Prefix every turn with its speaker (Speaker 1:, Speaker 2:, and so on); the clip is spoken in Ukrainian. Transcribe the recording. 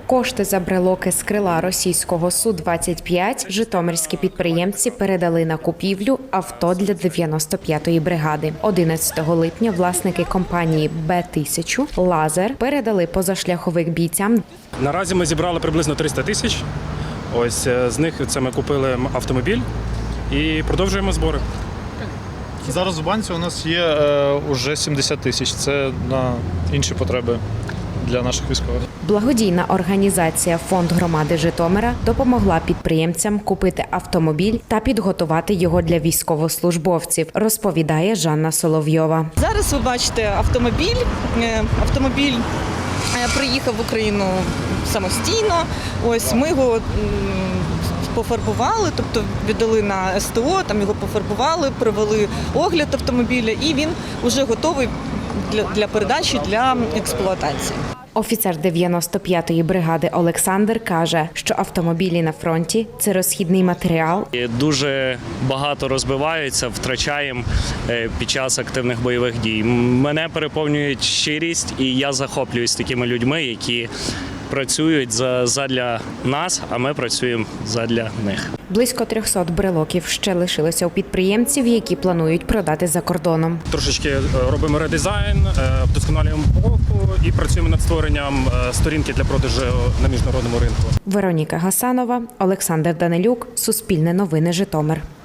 Speaker 1: Кошти за брелоки з крила російського Су-25 житомирські підприємці передали на купівлю авто для 95-ї бригади. 11 липня власники компанії Б-1000 «Лазер» передали позашляховик бійцям.
Speaker 2: Наразі ми зібрали приблизно 300 тисяч. Ось з них це ми купили автомобіль і продовжуємо збори.
Speaker 3: Зараз в банці у нас є вже 70 тисяч. Це на інші потреби для наших військових.
Speaker 1: Благодійна організація «Фонд громади Житомира» допомогла підприємцям купити автомобіль та підготувати його для військовослужбовців, розповідає Жанна Соловйова.
Speaker 4: Зараз ви бачите автомобіль. Автомобіль приїхав в Україну самостійно. Ось ми його пофарбували, тобто віддали на СТО, там його пофарбували, провели огляд автомобіля і він вже готовий для передачі, для експлуатації.
Speaker 1: Офіцер 95-ї бригади Олександр каже, що автомобілі на фронті – це розхідний матеріал.
Speaker 5: Дуже багато розбиваються, втрачаємо під час активних бойових дій. Мене переповнює щирість, і я захоплююсь такими людьми, які працюють задля нас, а ми працюємо задля них.
Speaker 1: Близько 300 брелоків ще лишилося у підприємців, які планують продати за кордоном.
Speaker 2: Трошечки робимо редизайн, вдосконалюємо упаковку і працюємо над створенням сторінки для продажу на міжнародному ринку.
Speaker 1: Вероніка Гасанова, Олександр Данилюк, Суспільне новини, Житомир.